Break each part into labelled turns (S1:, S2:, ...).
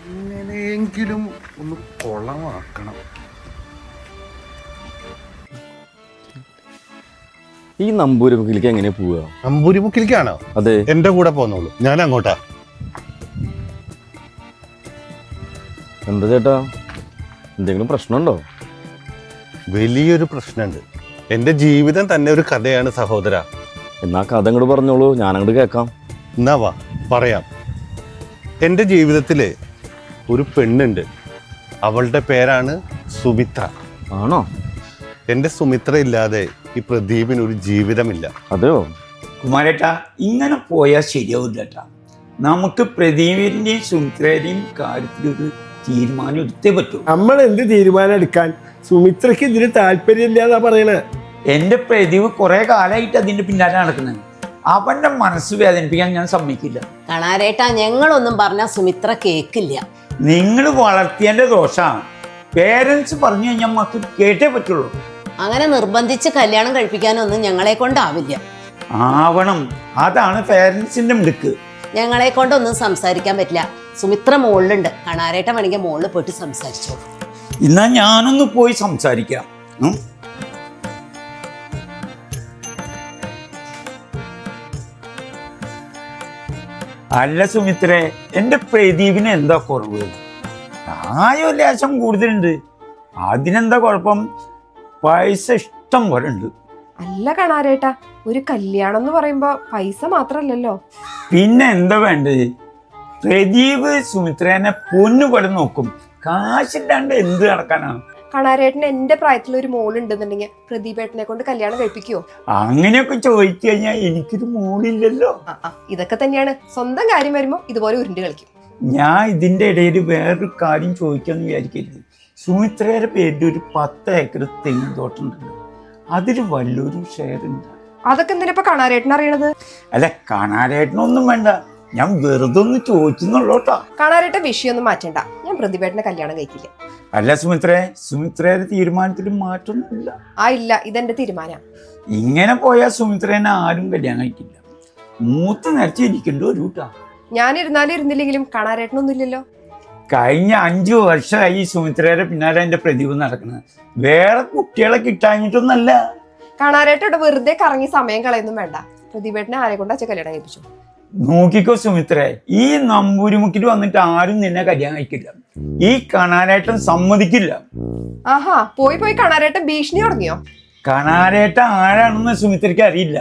S1: എങ്ങനെയെങ്കിലും ഒന്ന് കൊളമാക്കണം.
S2: ഈ നമ്പൂരിമുക്കിലേക്ക് എങ്ങനെ പോവുക?
S1: നമ്പൂരിമുക്കിലേക്കാണോ?
S2: അതെ,
S1: എന്റെ കൂടെ പോന്നോളൂ, ഞാൻ അങ്ങോട്ടാ.
S2: എന്താ ചേട്ടാ, എന്തെങ്കിലും പ്രശ്നമുണ്ടോ?
S1: വലിയൊരു പ്രശ്നമുണ്ട്. എന്റെ ജീവിതം തന്നെ ഒരു കഥയാണ് സഹോദര.
S2: എന്നാ കഥ അങ്ങോട്ട് പറഞ്ഞോളൂ, ഞാൻ അങ്ങോട്ട് കേൾക്കാം.
S1: എന്നാ വാ പറയാം. എൻ്റെ ജീവിതത്തില് ഒരു പെണ്ണുണ്ട്. അവളുടെ പേരാണ് സുമിത്ര.
S2: ആണോ?
S1: എൻ്റെ സുമിത്ര ഇല്ലാതെ ഈ പ്രദീപിന് ഒരു ജീവിതമില്ല.
S2: അതെയോ?
S3: കുമാരേട്ടാ, ഇങ്ങനെ പോയാൽ ശരിയാവില്ല കേട്ടാ. നമുക്ക് പ്രദീപിന്റെയും സുമിത്രയുടെയും കാര്യത്തിലൊരു തീരുമാനം എടുത്തേ പറ്റൂ.
S4: നമ്മൾ എന്ത് തീരുമാനം എടുക്കാൻ? സുമിത്രക്ക് ഇതിന് താല്പര്യമില്ലാന്നാ പറയണേ.
S3: എൻ്റെ പ്രദീപ് കുറെ കാലമായിട്ട് അതിന്റെ പിന്നാലെ നടക്കുന്നത്. അവന്റെ മനസ്സ് വേദനിപ്പിക്കാൻ ഞാൻ സമ്മതിക്കില്ല.
S5: കാണാരേട്ടാ, ഞങ്ങളൊന്നും പറഞ്ഞാൽ സുമിത്ര കേക്കില്ല.
S3: നിങ്ങൾ വളർത്തിയതിന്റെ ദോഷമാണ്. പേരൻസ് പറഞ്ഞു കഴിഞ്ഞാൽ മക്കൾ കേട്ടേ പറ്റുള്ളൂ.
S5: അങ്ങനെ നിർബന്ധിച്ച് കല്യാണം കഴിപ്പിക്കാനൊന്നും ഞങ്ങളെ കൊണ്ടാവില്ല.
S3: ആവണം, അതാണ് പേരൻസിന്റെ മിടുക്ക്.
S5: ഞങ്ങളെ കൊണ്ടൊന്നും സംസാരിക്കാൻ പറ്റില്ല. സുമിത്ര മുകളിലുണ്ട്. കാണാരേട്ട വേണമെങ്കിൽ മുകളിൽ പോയിട്ട് സംസാരിച്ചോ.
S3: എന്നാ ഞാനൊന്ന് പോയി സംസാരിക്കാം. അല്ല സുമിത്രേ, എൻ്റെ പ്രദീപിന് എന്താ കുറവ്? പ്രായം ലേശം കൂടുതലുണ്ട്, അതിനെന്താ കുഴപ്പം? പൈസ ഇഷ്ടം പോലെ ഉണ്ട്.
S6: അല്ല കാണാരേട്ടാ, ഒരു കല്യാണം എന്ന് പറയുമ്പോ പൈസ മാത്രല്ലല്ലോ.
S3: പിന്നെ എന്താ വേണ്ടത്? പ്രദീപ് സുമിത്രേനെ പൊന്നുപോലെ നോക്കും. കാശില്ലാണ്ട് എന്ത് നടക്കാനാണ്?
S6: കാണാരേട്ടന് എന്റെ പ്രായത്തിൽ ഒരു മോളുണ്ടെന്നുണ്ടെങ്കിൽ പ്രദീപേട്ടനെ കൊണ്ട് കല്യാണം കഴിപ്പിക്കുവോ?
S3: അങ്ങനെയൊക്കെ ചോദിച്ചു കഴിഞ്ഞാൽ എനിക്കൊരു മോളില്ലല്ലോ.
S6: ഇതൊക്കെ തന്നെയാണ്, സ്വന്തം കാര്യം വരുമ്പോ ഇതുപോലെ ഉരുണ്ട് കളിക്കും.
S3: ഞാൻ ഇതിന്റെ ഇടയിൽ വേറൊരു കാര്യം ചോദിക്കാന്ന് വിചാരിക്കരുത്. സുമിത്രയുടെ പേരിൽ ഒരു 10 ഏക്കർ തെങ്ങ് തോട്ടമുണ്ടല്ലോ, അതിൽ വല്ലൊരു ഷെയർ ഉണ്ട്.
S6: അതൊക്കെ എന്തിനാ ഇപ്പൊ കാണാരേട്ടൻ അറിയണത്?
S3: അല്ല, കാണാനായിട്ടൊന്നും വേണ്ട, ഞാൻ വെറുതെ ഒന്ന് ചോദിച്ചെന്നുള്ളൂട്ടാ.
S6: കാണാരേട്ട വിഷയമൊന്നും മാറ്റണ്ട, ഞാൻ പ്രദീപേട്ടനെ കല്യാണം കഴിക്കില്ല.
S3: അല്ല സുമിത്രയുടെ തീരുമാനത്തിൽ മാറ്റൊന്നുമില്ല.
S6: ഇല്ല, ഇതെന്റെ തീരുമാനം.
S3: ഇങ്ങനെ പോയാൽ സുമിത്രേനെ ആരും കല്യാണം കഴിക്കില്ല. മൂത്ത് നിറച്ച് ഇരിക്കേണ്ട ഒരു കൂട്ടാ.
S6: ഞാനിരുന്നാലും ഇരുന്നില്ലെങ്കിലും കാണാരേട്ടനൊന്നും ഇല്ലല്ലോ.
S3: കഴിഞ്ഞ 5 വർഷമായി സുമിത്രയുടെ പിന്നാലെ എൻ്റെ പ്രദീപ് നടക്കുന്നത്. വേറെ കുട്ടികളെ കിട്ടാഞ്ഞിട്ടൊന്നല്ല.
S6: കാണാരേട്ട വെറുതെ കറങ്ങി സമയം കളയൊന്നും വേണ്ട. പ്രദീപേട്ടനെ ആരെ കൊണ്ട് അച്ഛൻ കല്യാണം കഴിപ്പിച്ചു?
S3: നോക്കിക്കോ സുമിത്രേ, ഈ നമ്പൂരിമുക്കിൽ വന്നിട്ട് ആരും നിന്നെ കല്യാണം കഴിക്കില്ല. ഈ കാണാനായിട്ടും സമ്മതിക്കില്ല.
S6: ആഹാ, പോയി കാണാരേട്ടൻ ഭീഷണി തുടങ്ങിയോ?
S3: കാണാനായിട്ട് ആരാണെന്ന് സുമിത്രയ്ക്ക് അറിയില്ല.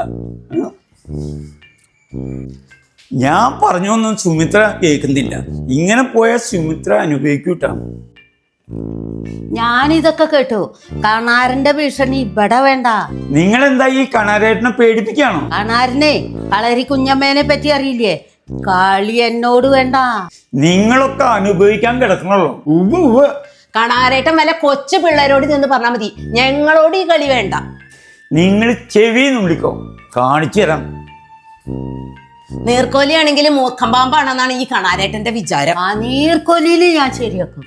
S3: ഞാൻ പറഞ്ഞൊന്നും സുമിത്ര കേൾക്കുന്നില്ല. ഇങ്ങനെ പോയാൽ സുമിത്ര അനുഭവിക്കൂട്ടാ.
S5: ഞാനിതൊക്കെ കേട്ടു. കാണാരന്റെ ഭീഷണി ഇവിടെ വേണ്ട.
S3: നിങ്ങളെന്താ ഈ കാണാരേട്ടനെ പേടിപ്പിക്കാണോ?
S5: കാണാരനെ കളരി കുഞ്ഞമ്മേനെ പറ്റി അറിയില്ലേ? കളി എന്നോട് വേണ്ട.
S3: നിങ്ങളൊക്കെ അനുഭവിക്കാൻ കിടക്കണല്ലോ.
S5: കാണാരേട്ടൻ വല്ല കൊച്ചു പിള്ളേരോട് നിന്ന് പറഞ്ഞാൽ മതി, ഞങ്ങളോട് ഈ കളി വേണ്ട.
S3: നിങ്ങൾ ചെവിന്ന് വിളിക്കോ, കാണിച്ചു തരാം.
S5: നീർക്കോലിയാണെങ്കിലും മൂക്കമ്പാമ്പാണെന്നാണ് ഈ കാണാരേട്ടന്റെ വിചാരം. ആ നീർക്കോലിയിൽ ഞാൻ ശരിയാക്കും.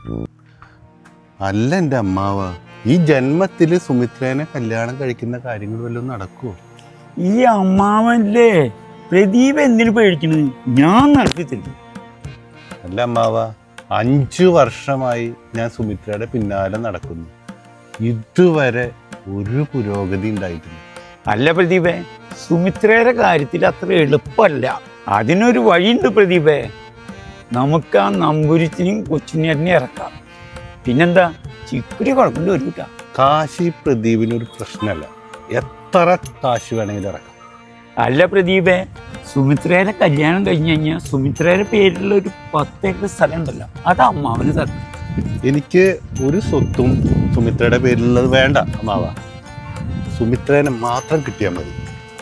S1: അല്ല എൻ്റെ അമ്മാവ, ഈ ജന്മത്തില് സുമിത്രേനെ കല്യാണം കഴിക്കുന്ന കാര്യങ്ങൾ വല്ലതും നടക്കുവോ?
S3: ഈ അമ്മാവല്ലേ പ്രദീപ് എന്തിനു പേടിക്കണത്? ഞാൻ നടത്തി തരും.
S1: അല്ല അമ്മാവ, 5 വർഷമായി ഞാൻ സുമിത്രയുടെ പിന്നാലെ നടക്കുന്നു. ഇതുവരെ ഒരു പുരോഗതി ഉണ്ടായിട്ടില്ല.
S3: അല്ല പ്രദീപേ, സുമിത്രയുടെ കാര്യത്തിൽ അത്ര എളുപ്പമല്ല. അതിനൊരു വഴിയുണ്ട് പ്രദീപേ. നമുക്ക് ആ നമ്പൂരിച്ചിനെയും കൊച്ചുണ്ണിയേട്ടനെയും ഇറക്കാം. പിന്നെന്താ, ചിക്കുരി കുഴപ്പമില്ല ഒരു കൂട്ടാ.
S1: കാശി പ്രദീപിനൊരു പ്രശ്നമല്ല, എത്ര കാശ് വേണമെങ്കിലും ഇറക്കാം.
S3: അല്ല പ്രദീപേ, സുമിത്രയുടെ കല്യാണം കഴിഞ്ഞ് കഴിഞ്ഞാൽ സുമിത്രയുടെ പേരിലുള്ള ഒരു 10 ഏക്കർ സ്ഥലം ഉണ്ടല്ലോ, അത് അമ്മാവന് തരണം.
S1: എനിക്ക് ഒരു സ്വത്തും സുമിത്രയുടെ പേരിലുള്ളത് വേണ്ട അമ്മാവ. സുമിത്രേനെ മാത്രം കിട്ടിയാൽ മതി.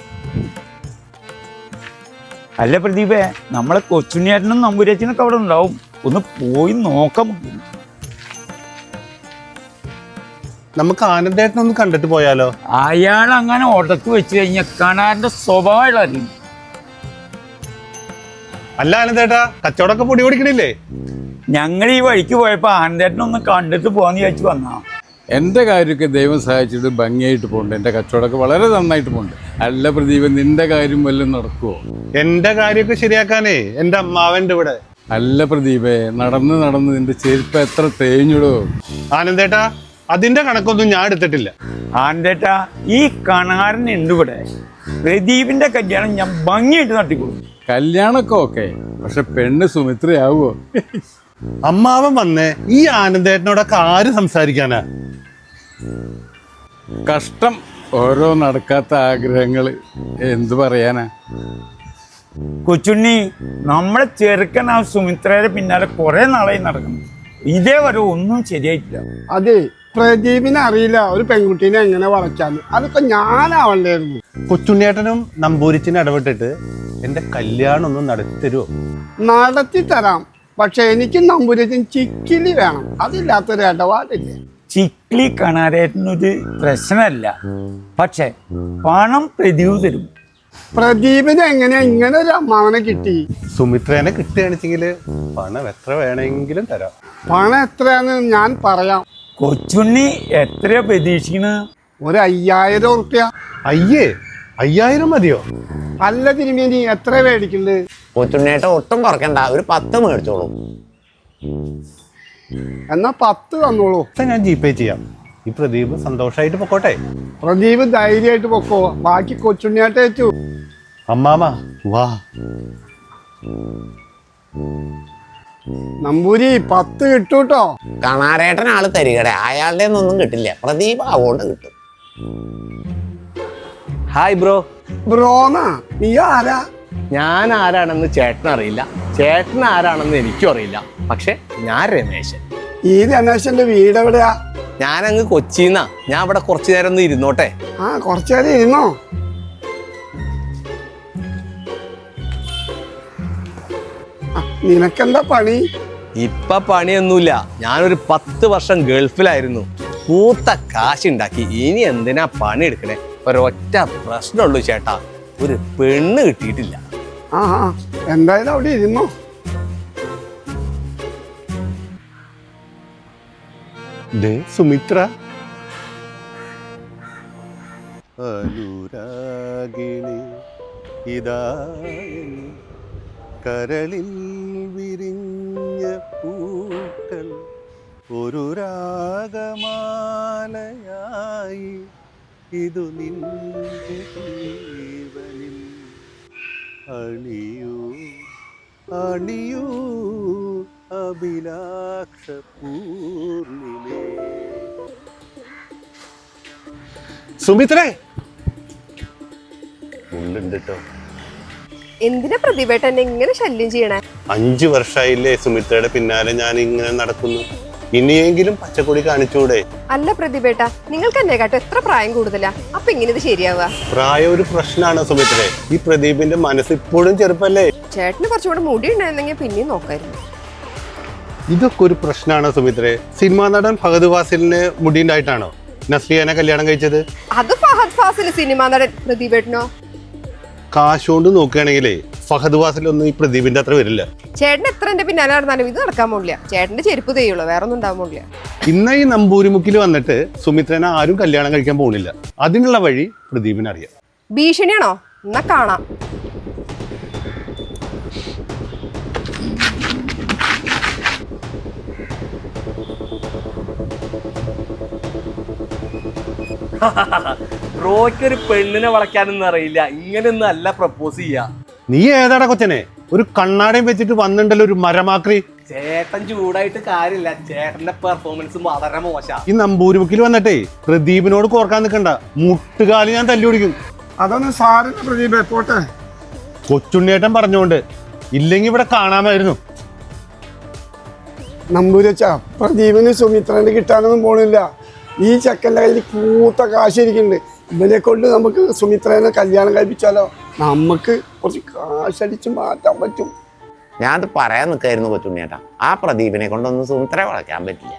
S3: അല്ല പ്രദീപേ, നമ്മളെ കൊച്ചുണ്ണിയേട്ടനും നമ്പൂരച്ചനൊക്കെ അവിടെ ഉണ്ടാവും, ഒന്ന് പോയി നോക്കാം.
S1: നമുക്ക് ആനന്ദേട്ടനൊന്ന് കണ്ടിട്ട് പോയാലോ?
S3: അയാൾ അങ്ങനെ ഉടക്ക് വെച്ച് കഴിഞ്ഞാൽ കാണാറിന്റെ സ്വഭാവം അറിയും.
S1: അല്ല ആനന്ദേട്ടാ, കച്ചവടമൊക്കെ പൊടി പിടിക്കണില്ലേ?
S3: ഞങ്ങൾ ഈ വഴിക്ക് പോയപ്പോ ആനന്ദേട്ടനൊന്ന് കണ്ടിട്ട് പോകാന്ന് വിചാരിച്ചു വന്നാ.
S7: എൻ്റെ കാര്യമൊക്കെ ദൈവം സഹായിച്ചിട്ട് ഭംഗിയായിട്ട് പോകുന്നുണ്ട്. എൻ്റെ കച്ചവടമൊക്കെ വളരെ നന്നായിട്ട് പോകുന്നുണ്ട്. അല്ല പ്രദീപ്, നിന്റെ കാര്യം വല്ലതും നടക്കുമോ?
S1: എന്റെ കാര്യമൊക്കെ ശരിയാക്കാനേ എൻ്റെ അമ്മാവൻ്റെ ഇവിടെ.
S7: അല്ല പ്രദീപേ, നടന്ന് നടന്ന് നിന്റെ ചെരുപ്പ് എത്ര തേഞ്ഞിടോ.
S1: ആനന്ദേട്ടാ, അതിന്റെ കണക്കൊന്നും ഞാൻ എടുത്തിട്ടില്ല.
S3: ആന്റേട്ടാ, ഈ കണാരനുണ്ട് ഇവിടെ. പ്രദീപിന്റെ കല്യാണം ഞാൻ ഭംഗിയായിട്ട് നടത്തിക്കൊടുക്കും.
S7: കല്യാണമൊക്കെ ഓക്കെ, പക്ഷെ പെണ്ണ് സുമിത്രയാവോ?
S1: അമ്മാവൻ വന്നേ ഈ ആനന്ദേട്ടനോടൊക്കെ ആര് സംസാരിക്കാനാ?
S7: കഷ്ടം, ഓരോ നടക്കാത്ത ആഗ്രഹങ്ങൾ എന്തു പറയാനാ.
S3: കൊച്ചുണ്ണി, നമ്മളെ ചെറുക്കൻ ആ സുമിത്രയുടെ പിന്നാലെ കുറെ നാളായി നടക്കുന്നു. ഇതേവരെ ഒന്നും ശരിയായിട്ടില്ല.
S4: അതെ, പ്രദീപിനെ അറിയില്ല ഒരു പെൺകുട്ടീനെ എങ്ങനെ വളയ്ക്കാന്ന്. അതൊക്കെ ഞാനാവണ്ടായിരുന്നു.
S1: കൊച്ചുണ്ണിയേട്ടനും നമ്പൂരിച്ചിനും ഇടപെട്ടിട്ട് എന്റെ കല്യാണം ഒന്ന് നടത്തി തരുമോ?
S4: നടത്തി തരാം, പക്ഷെ എനിക്ക് നമ്പൂരത്തിന് ചിക്കിലി വേണം. അതില്ലാത്തൊരു ഇടപാടില്ലേ.
S3: ചിക്ലി കണാരേട്ടനൊരു പ്രശ്നമല്ല, പക്ഷെ പണം പ്രദീപ് തരും.
S4: പ്രദീപിന് എങ്ങനെയാ ഇങ്ങനെ ഒരു അമ്മാവനെ കിട്ടി?
S1: സുമിത്രേനെ കിട്ടുകയാണെച്ചെങ്കിൽ പണം എത്ര വേണമെങ്കിലും തരാം.
S4: പണം എത്രയാന്ന് ഞാൻ പറയാം.
S3: കൊച്ചുണ്ണി എത്രയാ പ്രതീക്ഷിക്കണ?
S4: ഒരു 5000 ഉറുപ്പ്യ.
S1: അയ്യേ, 5000 മതിയോ?
S4: അല്ല തിരുമേനി, എത്ര മേടിക്കുന്നുണ്ട്?
S8: കൊച്ചുണ്ണേട്ട ഒട്ടും കുറക്കണ്ട, ഒരു 10 മേടിച്ചോളൂ.
S4: എന്നാ 10 തന്നോളൂ.
S1: ഞാൻ ജിപേ ചെയ്യാം. ഈ പ്രദീപ് സന്തോഷമായിട്ട് പൊക്കോട്ടെ.
S4: പ്രദീപ് ധൈര്യമായിട്ട് പൊക്കോ, ബാക്കി കൊച്ചുണ്ണിയായിട്ട് ഏറ്റു.
S1: അമ്മാമ വാ.
S4: നമ്പൂരി 10 കിട്ടൂട്ടോ.
S8: കണാരേട്ടൻ ആള് തരികടെ, അയാളുടെ ഒന്നും കിട്ടില്ല. പ്രദീപ് അതുകൊണ്ട് കിട്ടും.
S9: Hi bro.
S4: ബ്രോനാ? നീ ആരാ?
S9: ഞാൻ ആരാണെന്ന് ചേട്ടൻ അറിയില്ല, ചേട്ടൻ ആരാണെന്ന് എനിക്കും അറിയില്ല. പക്ഷെ ഞാൻ രമേശൻ.
S4: ഈ രമേശന്റെ വീട് എവിടെയാ?
S9: ഞാനങ്ങ് കൊച്ചിന്നാ. ഞാൻ ഇവിടെ കുറച്ചു നേരം ഒന്ന് ഇരുന്നോട്ടെ?
S4: ആ, കുറച്ചേരം ഇരുന്നോ. നിനക്കെന്താ പണി?
S9: ഇപ്പൊ പണിയൊന്നുമില്ല. ഞാനൊരു 10 വർഷം ഗൾഫിലായിരുന്നു. കൂത്ത കാശുണ്ടാക്കി. ഇനി എന്തിനാ പണി എടുക്കണേ? ഒരൊറ്റ പ്രശ്നമുള്ളൂ ചേട്ടാ, ഒരു പെണ്ണ് കിട്ടിയിട്ടില്ല.
S4: ആ, എന്തായാലും അവിടെ ഇരുന്നോ.
S1: സുമിത്ര അനുരാഗിണി ഇതാ കരളിൽ വിരിഞ്ഞ പൂക്കൾ ഒരു രാഗമാലയായി ഇതു നിന്റെ ജീവനിൽ അണിയൂ അണിയൂ അഭിലാഷ പൂർണിമേ. സുമിത്രേ, ഉള്ളുണ്ട് കേട്ടോ.
S6: എന്തിനാ പ്രതിഭേട്ട എന്നെ ഇങ്ങനെ ശല്യം ചെയ്യണേ?
S1: 5 വർഷമായില്ലേ സുമിത്രയുടെ പിന്നാലെ ഞാൻ ഇങ്ങനെ നടക്കുന്നു. ഇനിയെങ്കിലും പച്ചക്കൊടി കാണിച്ചൂടെ?
S6: അല്ല പ്രതിഭേട്ട, നിങ്ങൾക്ക് എന്നെക്കാട്ടും എത്ര പ്രായം കൂടുതലാ? അപ്പൊ ഇങ്ങനെ ഇത് ശരിയാവുക?
S1: പ്രായം ഒരു പ്രശ്നമാണ് സുമിത്രേ. ഈ പ്രദീപിന്റെ മനസ്സ് ഇപ്പോഴും ചെറുപ്പല്ലേ.
S6: ചേട്ടന് കുറച്ചുകൂടെ മുടി ഉണ്ടായിരുന്നെങ്കിൽ പിന്നെയും നോക്കായിരുന്നു.
S1: ഇതൊക്കെ ഒരു പ്രശ്നമാണ് സുമിത്രേ. സിനിമാ നടൻ ഫഹദ് ഫാസിലിന് മുടി ഉണ്ടായിട്ടാണോ നസ്ലിയാനെ കല്യാണം കഴിച്ചത്?
S6: അത് ഫഹദ് ഫാസിൽ സിനിമ നടൻ. പ്രതിഭേട്ടനോ?
S1: കാശ് കൊണ്ട് നോക്കുകയാണെങ്കിലേ ഫഹദ് ഫാസിലൊന്നും ഈ പ്രദീപിന്റെ അത്ര വരില്ല.
S6: ചേട്ടൻ എത്ര എന്റെ പിന്നാലെ നടന്നാലും ഇത് നടക്കാൻ പോകില്ല. ചേട്ടന്റെ ചെരുപ്പ് തെയ്യുള്ളൂ, വേറെ ഒന്നും ഉണ്ടാവാൻ പോകില്ല.
S1: ഇന്ന് ഈ നമ്പൂരിമുക്കിൽ വന്നിട്ട് സുമിത്രനെ ആരും കല്യാണം കഴിക്കാൻ പോകുന്നില്ല. അതിനുള്ള വഴി പ്രദീപിനറിയാം.
S6: ഭീഷണിയാണോ? എന്നാ കാണാം.
S9: ബ്രോയ്ക്ക് ഒരു പെണ്ണിനെ വളയ്ക്കാനൊന്നും അറിയില്ല. ഇങ്ങനെയൊന്നും അല്ല പ്രപ്പോസ് ചെയ്യാ.
S1: നീ ഏതാടാ കൊച്ചനെ? ഒരു കണ്ണാടയും വെച്ചിട്ട് വന്നിണ്ടല്ലോ ഒരു മരമാക്രി.
S9: ചേട്ടൻ ചൂടായിട്ട് കാര്യമില്ല, ചേട്ടന്റെ പെർഫോമൻസ് വളരെ മോശ.
S1: ഈ നമ്പൂരിമുക്കിൽ വന്നിട്ടേ പ്രദീപിനോട് കോർക്കാൻ നിൽക്കണ്ട. മുട്ടുകാലി ഞാൻ തല്ലി പിടിക്കും.
S4: അതൊന്നും സാറിന് പ്രദീപേ, പോട്ടെ.
S1: കൊച്ചുണ്ണിയേട്ടൻ പറഞ്ഞോണ്ട്, ഇല്ലെങ്കിൽ ഇവിടെ കാണാമായിരുന്നു.
S4: നമ്പൂരച്ച, പ്രദീപിന് സുമിത്രനെ കിട്ടാനൊന്നും പോണില്ല. ഈ ചെക്കൻ്റെ കയ്യിൽ കൂത്ത കാശിരിക്കുന്നുണ്ട്. ഇവനെ കൊണ്ട് നമുക്ക് സുമിത്രനെ കല്യാണം കഴിപ്പിച്ചാലോ? നമുക്ക് കുറച്ച് കാശടിച്ച് മാറ്റാൻ പറ്റും.
S8: ഞാനത് പറയാൻ നിൽക്കായിരുന്നു കൊച്ചുണ്ണിയേട്ടാ. ആ പ്രദീപിനെ കൊണ്ടൊന്നും സുമിത്രയെ വളയ്ക്കാൻ പറ്റില്ല.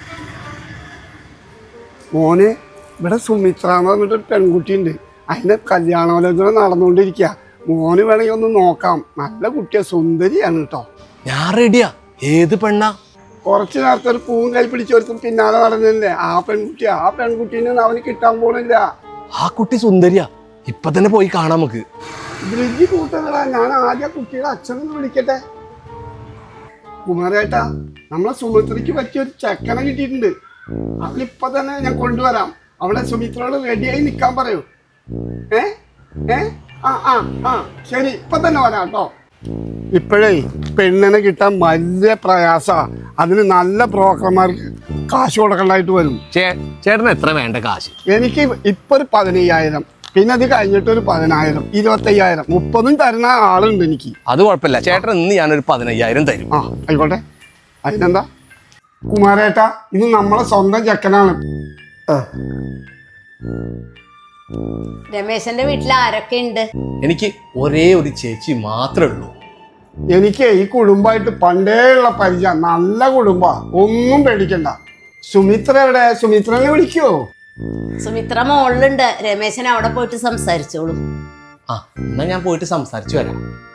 S4: മോനെ, ഇവിടെ സുമിത്ര എന്ന് പറഞ്ഞിട്ടൊരു പെൺകുട്ടിയുണ്ട്. അതിൻ്റെ കല്യാണാലോചന നടന്നുകൊണ്ടിരിക്കുക. മോന് വേണമെങ്കിൽ ഒന്ന് നോക്കാം. നല്ല കുട്ടിയാ, സുന്ദരിയാണ് കേട്ടോ.
S9: ഞാൻ റെഡിയാ. ഏത് പെണ്ണാ?
S4: കുറച്ച് നേരത്തെ ഒരു പൂവും കൈ പിടിച്ചൊരുത്തും പിന്നാലെ നടന്നില്ലേ, ആ പെൺകുട്ടിയാ. ആ പെൺകുട്ടീനെ അവന് കിട്ടാൻ പോണില്ല.
S9: ആ കുട്ടി സുന്ദരിയാ. ഇപ്പൊ തന്നെ പോയി കാണാം നമുക്ക്.
S4: ബ്രിഡ്ജ് കൂട്ടുകളാ. ഞാൻ ആദ്യം കുട്ടിയുടെ അച്ഛനൊന്ന് വിളിക്കട്ടെ. കുമാരേട്ടാ നമ്മളെ സുമിത്രയ്ക്ക് പറ്റിയ ഒരു ചെക്കനെ കിട്ടിയിട്ടുണ്ട്. അവനിപ്പൊ തന്നെ ഞാൻ കൊണ്ടുവരാം. അവിടെ സുമിത്രയോട് റെഡിയായി നിൽക്കാൻ പറയൂ. ഏ ഏ ആ ആ ആ ശരി, ഇപ്പൊ തന്നെ വരാം കേട്ടോ. ഇപ്പോഴേ പെണ്ണിനെ കിട്ടാൻ വലിയ പ്രയാസാ. അതിന് നല്ല ബ്രോക്കർമാർക്ക് കാശ് കൊടുക്കേണ്ടതായിട്ട് വരും.
S9: ചേട്ടന് എത്ര വേണ്ട കാശ്?
S4: എനിക്ക് ഇപ്പൊ ഒരു 15,000, പിന്നെ അത് കഴിഞ്ഞിട്ട് ഒരു 10,000, 25,000, 30 തരുന്ന ആളുണ്ട് എനിക്ക്.
S9: അത് കുഴപ്പമില്ല ചേട്ടൻ, ഇന്ന് ഞാനൊരു 15,000 തരും.
S4: ആ ആയിക്കോട്ടെ. അതിനെന്താ കുമാരേട്ടാ, ഇത് നമ്മളെ സ്വന്തം ചെക്കനാണ്.
S5: രമേശന്റെ വീട്ടിൽ ആരൊക്കെ ഉണ്ട്?
S9: എനിക്ക് ഒരേ ഒരു ചേച്ചി മാത്രമേ ഉള്ളൂ.
S4: എനിക്ക് ഈ കുടുംബമായിട്ട് പണ്ടേ ഉള്ള പരിചയം, നല്ല കുടുംബ, ഒന്നും പേടിക്കണ്ട. സുമിത്ര എവിടെ? സുമിത്രനെ വിളിക്കുവോ?
S5: സുമിത്ര മോളിലുണ്ട്. രമേശൻ അവിടെ പോയിട്ട് സംസാരിച്ചോളൂ.
S9: ആ എന്നാ ഞാൻ പോയിട്ട് സംസാരിച്ചു വരാം.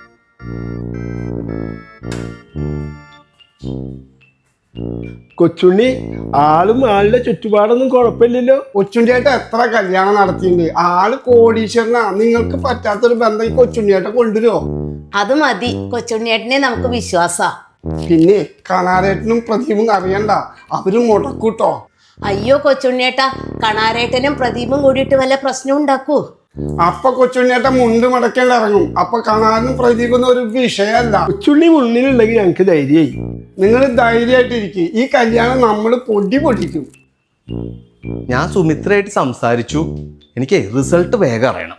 S4: കൊച്ചുണ്ണി, ആളും ആളുടെ ചുറ്റുപാടൊന്നും കുഴപ്പമില്ലല്ലോ. കൊച്ചുണ്ണിയായിട്ട് എത്ര കല്യാണം നടത്തിയിട്ടുണ്ട്. ആള് കോടീശ്വരനാ. നിങ്ങൾക്ക് പറ്റാത്തൊരു ബന്ധം ഈ കൊച്ചുണ്ണിയായിട്ട് കൊണ്ടുവരുമോ?
S5: അത് മതി, കൊച്ചുണ്ണിയേട്ടനെ നമുക്ക് വിശ്വാസാ.
S4: പിന്നെ കണാരേട്ടനും പ്രദീപും അറിയണ്ട, അവര് മുടക്കൂട്ടോ.
S5: അയ്യോ കൊച്ചുണ്ണിയേട്ടാ, കണാരേട്ടനും പ്രദീപും കൂടിയിട്ട് വല്ല പ്രശ്നം ഉണ്ടാക്കൂ.
S4: അപ്പൊ കൊച്ചുണ്ണിയേട്ട മുണ്ട് മടക്കേണ്ട ഇറങ്ങും. അപ്പൊ കണാരനും പ്രദീപൊന്നും ഒരു വിഷയമല്ല. കൊച്ചുണ്ണി മുന്നിലുണ്ടെങ്കിൽ ഞങ്ങക്ക് ധൈര്യമായി. നിങ്ങൾ ധൈര്യമായിട്ടിരിക്കും. ഈ കല്യാണം നമ്മൾ പൊടിക്കും.
S9: ഞാൻ സുമിത്രയായിട്ട് സംസാരിച്ചു. എനിക്ക് റിസൾട്ട് വേഗം അറിയണം.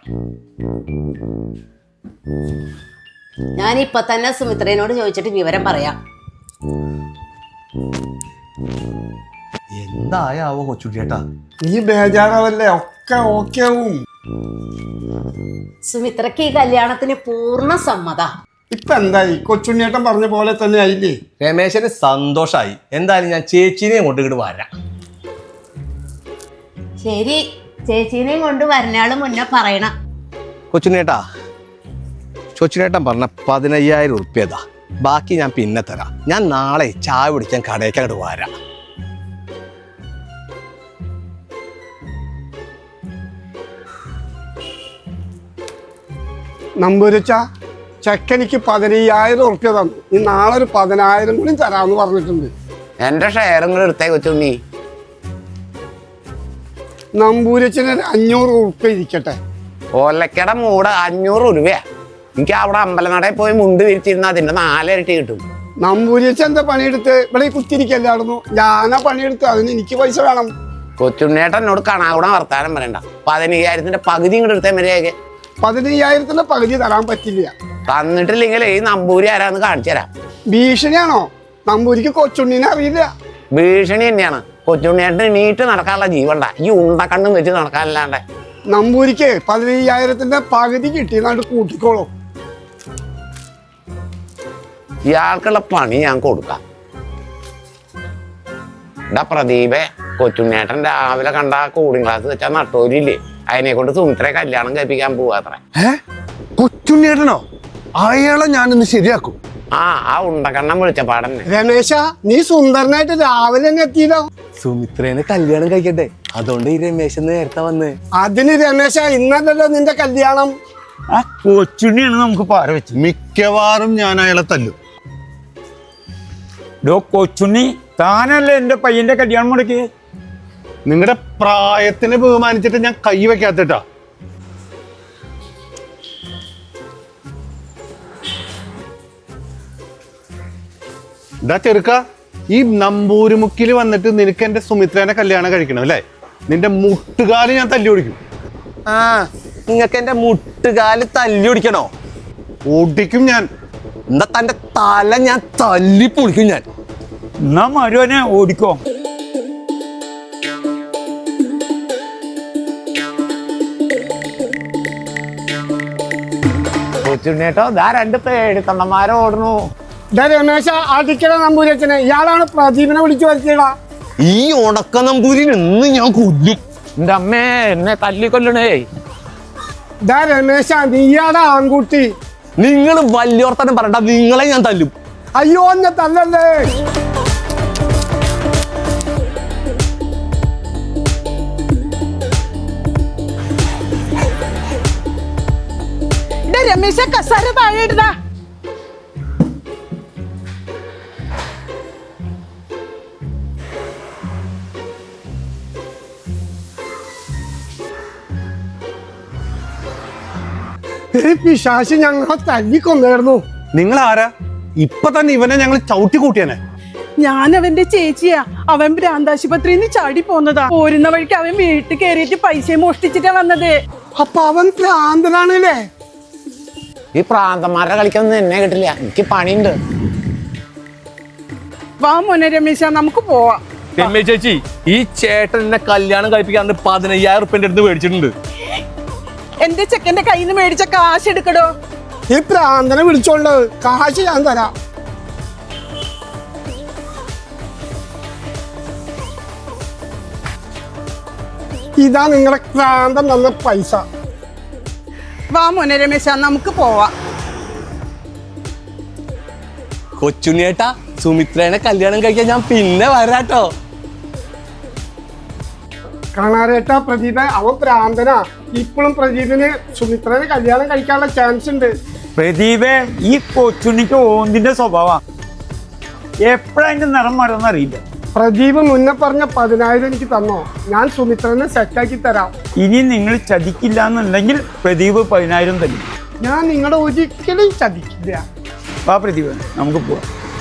S5: ഞാനിപ്പൊ തന്നെ സുമിത്രേനോട് ചോദിച്ചിട്ട് വിവരം പറയാം.
S9: എന്തായാവോ കൊച്ചുണ്ണിയേട്ടാ?
S4: നീ ബേജാറാവല്ലേ, ഒക്കെ ഓക്കെ ആവും.
S5: സുമിത്രക്ക് ഈ കല്യാണത്തിന് പൂർണ്ണ സമ്മത.
S4: ഇപ്പൊ എന്തായി? കൊച്ചുണ്ണിയേട്ടൻ പറഞ്ഞ പോലെ തന്നെ ആയില്ലേ?
S9: രമേശന് സന്തോഷായി. എന്തായാലും ഞാൻ ചേച്ചീനെയും കൊണ്ട് ഇങ്ങോട്ട് വരാം.
S5: ശരി, ചേച്ചീനെയും കൊണ്ട് വരുന്നാള് മുന്നേ പറയണം.
S9: കൊച്ചുണ്ണേട്ടാ, കൊച്ചുണ്ണേട്ടൻ പറഞ്ഞ 15,000 ഉറുപ്പ്യതാ. ബാക്കി ഞാൻ പിന്നെ തരാം. ഞാൻ നാളെ ചായ കുടിക്കാൻ കടയ്ക്ക് അങ്ങോട്ട് വരാം.
S4: നമ്പൂരിച്ച ചെക്കനിക്ക് 15,000 ഉറുപ്പ്യ തന്നു. ഈ നാളെ ഒരു 10,000 കൂടി തരാമെന്ന് പറഞ്ഞിട്ടുണ്ട്.
S8: എന്റെ ഷെയറും കൂടെ എടുത്തേ കൊച്ചുണ്ണി.
S4: നമ്പൂരിച്ചന് 500 ഉറുപ്പ്യ ഇരിക്കട്ടെ.
S8: ഓലക്കട മൂട് 500 രൂപയാ. എനിക്ക് അവിടെ അമ്പലനടയിൽ പോയി മുണ്ട് വിരിച്ചിരുന്ന അതിന്റെ 4 ഇരട്ടി കിട്ടും.
S4: നമ്പൂരിച്ച എന്താ പണിയെടുത്ത് ഇവിടെ കുത്തിരിക്കല്ലായിരുന്നു? ഞാനാ പണിയെടുത്ത്, അതിന് എനിക്ക് പൈസ വേണം.
S8: കൊച്ചുണ്ണേട്ടൻ എന്നോട് കണാകൂടെ വർത്താനം പറയണ്ട. 15,000ന്റെ പകുതി ഇങ്ങോട്ട് എടുത്തേ മര്യാദ.
S4: 15,000ന്റെ പകുതി തരാൻ പറ്റില്ല.
S8: തന്നിട്ടില്ലെങ്കിൽ ഈ നമ്പൂരി ആരാന്ന് കാണിച്ചു തരാം.
S4: ഭീഷണിയാണോ? നമ്പൂരിക്ക് കൊച്ചുണ്ണിനെ അറിയില്ല.
S8: ഭീഷണി തന്നെയാണ്. കൊച്ചുണ്ണിയേട്ടന് നീട്ട് നടക്കാനുള്ള ജീവണ്ട. ഈ ഉണ്ടക്കണ്ണും വെച്ച് നടക്കാനല്ലാണ്ട്.
S4: നമ്പൂരിക്ക് 15,000ന്റെ പകുതി കിട്ടിയെന്നാണ്ട് കൂട്ടിക്കോളൂ.
S8: ഇയാൾക്കുള്ള പണി ഞാൻ കൊടുക്കാം. എന്താ പ്രദീപേ, കൊച്ചുണ്ണേട്ടൻ രാവിലെ കണ്ട കൂളിംഗ് ക്ലാസ് വെച്ചാൽ നട്ടോരില്ലേ, അതിനെ കൊണ്ട് സുമിത്രയെ കല്യാണം കഴിപ്പിക്കാൻ പോവാത്രേ.
S1: കൊച്ചുണ്ണിയേട്ടനോ? അയാളെ ഞാനിന്ന് ശരിയാക്കും.
S8: ആ ഉണ്ടക്കണ്ണം വിളിച്ച പാടന്നെ.
S4: രമേശ, നീ സുന്ദരനായിട്ട് രാവിലെ തന്നെ എത്തിയല്ലോ.
S9: സുമിത്രേനെ കല്യാണം കഴിക്കട്ടെ, അതുകൊണ്ട് ഈ രമേശൻ നേരത്തെ വന്ന്.
S4: അതിന് രമേശ, ഇന്നല്ലല്ലോ നിന്റെ കല്യാണം.
S3: ആ കൊച്ചുണ്ണിയാണ് നമുക്ക് പാര വെച്ചത്.
S1: മിക്കവാറും ഞാൻ അയാളെ തല്ലും.
S3: കൊച്ചുണ്ണി, താനല്ലേ എന്റെ പയ്യന്റെ കല്യാണം മുടക്കി?
S1: നിങ്ങളുടെ പ്രായത്തിനെ ബഹുമാനിച്ചിട്ട് ഞാൻ കൈ വെക്കാത്തിട്ടാ. ഇതാ ചെറുക്ക, ഈ നമ്പൂരിമുക്കിൽ വന്നിട്ട് നിനക്ക് എന്റെ സുമിത്രേനെ കല്യാണം കഴിക്കണം അല്ലേ? നിന്റെ മുട്ടുകാല് ഞാൻ തല്ലി ഓടിക്കും.
S9: ആ, നിങ്ങക്ക് എന്റെ മുട്ടുകാല് തല്ലി ഓടിക്കണോ?
S1: ഓടിക്കും ഞാൻ.
S9: എന്താ തന്റെ തല ഞാൻ തല്ലി പൊളിക്കും ഞാൻ.
S3: എന്നാ മരുവനെ ഓടിക്കോ.
S8: കൊച്ചുണ്ണേട്ടോ, ഇതാ 2 പേടിത്തണ്ടന്മാരെ ഓടുന്നു.
S4: രമേശ, അടിക്കട നമ്പൂരച്ചനെ. ഇയാളാണ് പ്രദീപിനെ വിളിച്ചു വരുത്തിയടാ.
S9: ഈ ഉണക്ക നമ്പൂരിന് ഇന്ന് ഞാൻ കൊല്ലും.
S8: എന്റെ അമ്മേ, എന്നെ തല്ലിക്കൊല്ലണേ.
S4: രമേശ, നീയാടാ ആൺകുട്ടി.
S9: നിങ്ങൾ വലിയോർത്തനം പറയണ്ട, നിങ്ങളെ ഞാൻ തല്ലും.
S4: അയ്യോ, എന്നെ തല്ലല്ലേ.
S10: രമേശ, കസാര താഴെ ഇടുതാ.
S4: പിശാശ് ഞങ്ങളെ തല്ലിക്കൊന്നായിരുന്നു.
S1: നിങ്ങൾ ആരാ? ഇപ്പൊ തന്നെ ഇവനെ ഞങ്ങൾ ചവിട്ടി കൂട്ടിയാനെ.
S10: ഞാൻ അവന്റെ ചേച്ചിയാ. അവൻ ഭ്രാന്താശുപത്രിന്ന് ചാടി പോന്നതാ. പോരുന്ന വഴിക്ക് അവൻ വീട്ടിൽ കയറിയിട്ട് പൈസ മോഷ്ടിച്ചിട്ടാ വന്നത്.
S4: അപ്പൊ അവൻ ഭ്രാന്തനാണല്ലേ?
S8: ഈ പ്രാന്തന്മാരുടെ കളിക്കൊന്നും എന്നെ കിട്ടില്ല, എനിക്ക് പണിയുണ്ട്.
S10: വാ മോനെ രമേശ, നമുക്ക് പോവാം.
S9: രമ്യ ചേച്ചി, ഈ ചേട്ടൻ എന്നെ കല്യാണം കഴിപ്പിക്കാണ്ട് 15,000 റുപ്യന്റെ അടുത്ത് മേടിച്ചിട്ടുണ്ട്.
S10: എന്റെ ചെക്കന്റെ കയ്യിൽ നിന്ന് മേടിച്ച കാശ് എടുക്കടോ.
S4: ഈ ഭ്രാന്തനെ വിളിച്ചോണ്ട് കാശ് ഞാൻ തരാം. ഇതാ നിങ്ങളെ ഭ്രാന്തൻ തന്ന പൈസ.
S10: വാ മോനെ രമേശ, നമുക്ക് പോവാം.
S9: കൊച്ചുണ്ണിയേട്ടാ, സുമിത്രേനെ കല്യാണം കഴിക്കാൻ ഞാൻ പിന്നെ വരാട്ടോ.
S4: കാണാരേട്ട പ്രദീപ, അവൻ ഭ്രാന്തനാ. ഇപ്പോഴും പ്രദീപിന് സുമിത്രനെ കല്യാണം കഴിക്കാനുള്ള ചാൻസ് ഉണ്ട്.
S3: പ്രദീപേ, ഈ കൊച്ചുണ്ണിക്ക് ഓന്തിന്റെ സ്വഭാവം എപ്പോഴാ അതിന്റെ നിറം മറന്നറിയില്ല.
S4: പ്രദീപ് മുന്നേ പറഞ്ഞ 10,000 എനിക്ക് തന്നോ, ഞാൻ സുമിത്രനെ സെറ്റാക്കി തരാം.
S3: ഇനി നിങ്ങൾ ചതിക്കില്ല എന്നുണ്ടെങ്കിൽ പ്രദീപ് 10,000 തരും.
S4: ഞാൻ നിങ്ങളെ ഒരിക്കലും ചതിക്കില്ല.
S3: വാ പ്രദീപ്, നമുക്ക് പോവാം.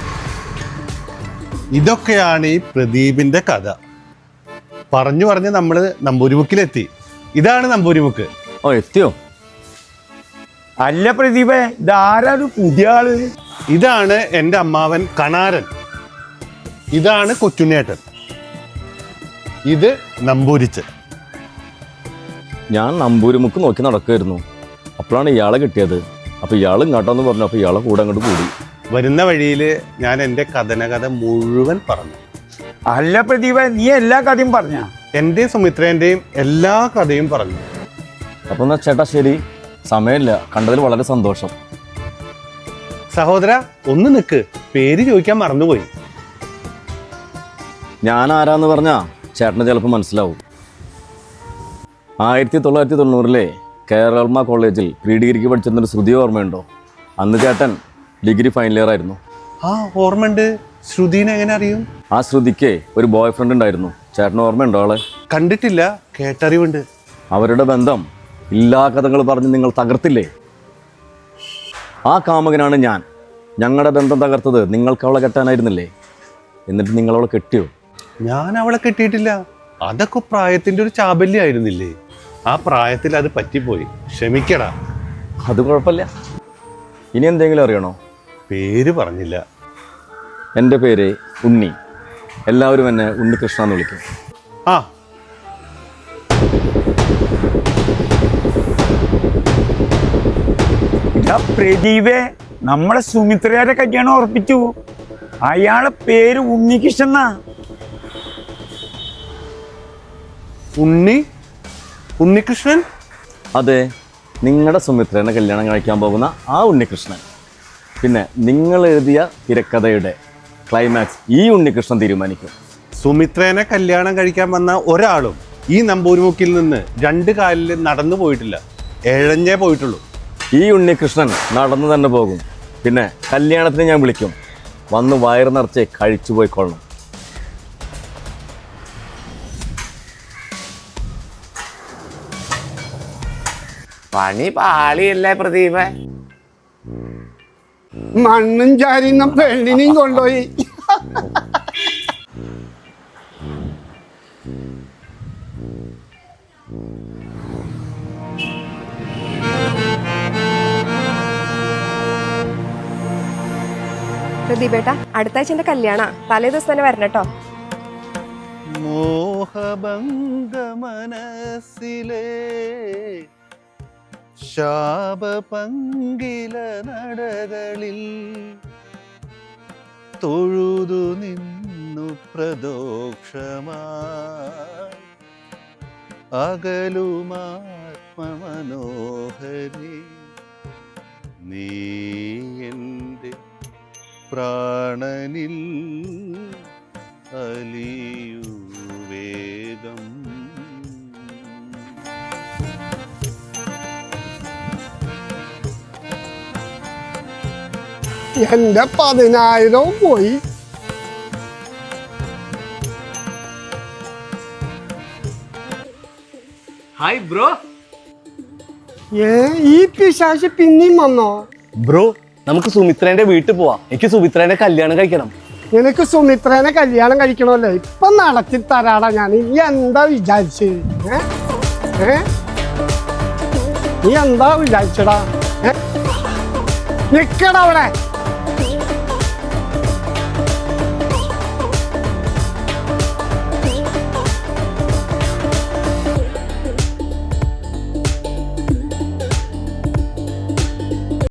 S1: ഇതൊക്കെയാണ് ഈ പ്രദീപിന്റെ കഥ. പറഞ്ഞു പറഞ്ഞ് നമ്മള് നമ്പൂരിമുക്കിലെത്തി. ഇതാണ് നമ്പൂരിമുക്ക്.
S2: ഓ, എത്തിയോ?
S3: അല്ല പ്രദീപേ, ഇതാരാ ഒരു പുതിയ ആള്?
S1: ഇതാണ് എൻ്റെ അമ്മാവൻ കണാരൻ. ഇതാണ് കൊച്ചുണ്ണേട്ടൻ. ഇത് നമ്പൂരിച്ചൻ.
S2: ഞാൻ നമ്പൂരിമുക്ക് നോക്കി നടക്കുമായിരുന്നു. അപ്പോഴാണ് ഇയാളെ കിട്ടിയത്. അപ്പോൾ ഇയാൾ ഇങ്ങോട്ടെന്ന് പറഞ്ഞു. അപ്പോൾ ഇയാളെ കൂടെ അങ്ങോട്ട് കൂടി.
S1: വരുന്ന വഴിയിൽ ഞാൻ എൻ്റെ കഥ മുഴുവൻ പറഞ്ഞു.
S3: അല്ല പ്രദീപ, നീ എല്ലാ കഥയും പറഞ്ഞ?
S1: എൻ്റെയും സുമിത്രേൻ്റെയും എല്ലാ കഥയും പറഞ്ഞു.
S2: അപ്പോൾ എന്നാ ചേട്ടാ ശരി, സമയമില്ല. കണ്ടതിൽ വളരെ സന്തോഷം.
S1: സഹോദര, ഒന്ന് നിൽക്ക്, പേര് ചോദിക്കാൻ മറന്നുപോയി.
S2: ഞാൻ ആരാന്ന് പറഞ്ഞാൽ ചേട്ടന് ചിലപ്പോൾ മനസ്സിലാവും. 1990 കേരള കോളേജിൽ പ്രീ ഡിഗ്രിക്ക് പഠിച്ചിരുന്നൊരു ശ്രുതി ഓർമ്മയുണ്ടോ? അന്ന് ചേട്ടൻ ഡിഗ്രി ഫൈനൽ ഇയർ ആയിരുന്നു.
S1: ആ, ഓർമ്മയുണ്ട്. ശ്രുതിനെ എങ്ങനെ അറിയും?
S2: ആ ശ്രുതിക്ക് ഒരു ബോയ് ഫ്രണ്ട് ഉണ്ടായിരുന്നു. ചേട്ടന് ഓർമ്മയുണ്ടോ ആളെ?
S1: കണ്ടിട്ടില്ല, കേട്ടറിവുണ്ട്.
S2: അവരുടെ ബന്ധം എല്ലാ കഥകൾ പറഞ്ഞ് നിങ്ങൾ തകർത്തില്ലേ? ആ കാമുകനാണ് ഞാൻ. ഞങ്ങളുടെ ബന്ധം തകർത്തത് നിങ്ങൾക്ക് അവളെ കെട്ടാനായിരുന്നില്ലേ? എന്നിട്ട് നിങ്ങളവളെ കെട്ടിയോ?
S1: ഞാൻ അവളെ കെട്ടിയിട്ടില്ല. അതൊക്കെ പ്രായത്തിൻ്റെ ഒരു ചാബല്യമായിരുന്നില്ലേ? ആ പ്രായത്തിൽ അത് പറ്റിപ്പോയി. ക്ഷമിക്കടാ.
S2: അത് കുഴപ്പമില്ല. ഇനി എന്തെങ്കിലും അറിയണോ?
S1: പേര് പറഞ്ഞില്ല.
S2: എൻ്റെ പേര് ഉണ്ണി. എല്ലാവരും എന്നെ ഉണ്ണികൃഷ്ണ എന്ന് വിളിക്കും.
S1: ആ,
S3: പ്രദീപേ, നമ്മളെ സുമിത്രയുടെ കല്യാണം ഉറപ്പിച്ചു. അയാളെ പേര് ഉണ്ണികൃഷ്ണ.
S1: ഉണ്ണികൃഷ്ണൻ?
S2: അതെ, നിങ്ങളുടെ സുമിത്രേനെ കല്യാണം കഴിക്കാൻ പോകുന്ന ആ ഉണ്ണികൃഷ്ണൻ. പിന്നെ നിങ്ങൾ എഴുതിയ തിരക്കഥയുടെ ക്ലൈമാക്സ് ഈ ഉണ്ണികൃഷ്ണൻ തീരുമാനിക്കും.
S1: സുമിത്രേനെ കല്യാണം കഴിക്കാൻ വന്ന ഒരാളും ഈ നമ്പൂരിമുക്കിൽ നിന്ന് 2 കാലിൽ നടന്നു പോയിട്ടില്ല, എഴഞ്ഞേ പോയിട്ടുള്ളൂ.
S2: ഈ ഉണ്ണികൃഷ്ണൻ നടന്നു തന്നെ പോകും. പിന്നെ കല്യാണത്തിന് ഞാൻ വിളിക്കും. വന്ന് വയറ് നിറച്ച് കഴിച്ചു പോയിക്കൊള്ളണം.
S8: പണി പാളിയല്ലേ പ്രദീപ?
S4: മണ്ണും ചാരിന്ന പെണ്ണിനെയും കൊണ്ടുപോയി.
S6: പ്രദീപേട്ട, അടുത്ത ആഴ്ച എന്റെ കല്യാണ, തലേ ദിവസം തന്നെ വരണം കേട്ടോ.
S1: മോഹഭംഗ മനസ്സിലെ ശാപപങ്കില നടകളിൽ തൊഴുതു നിന്നു പ്രദോക്ഷമായി അകലുമാത്മമനോഹരി നീ എൻ്റെ പ്രാണനിൽ അലിയൂ വേഗം.
S4: എന്റെ 10,000 പോയി.
S9: Hi bro.
S4: ഈ പിശാശ് പിന്നെയും വന്നോ?
S9: ബ്രോ നമുക്ക് സുമിത്രേന്റെ വീട്ടിൽ പോവാം. എനിക്ക് സുമിത്രേന്റെ കല്യാണം കഴിക്കണം.
S4: നിനക്ക് സുമിത്രേനെ കല്യാണം കഴിക്കണമല്ലോ, ഇപ്പൊ നടത്തി തരാടാ ഞാൻ. നീ എന്താ വിചാരിച്ചത്? നീ എന്താ വിചാരിച്ചടാ? നിക്കടാ അവിടെ.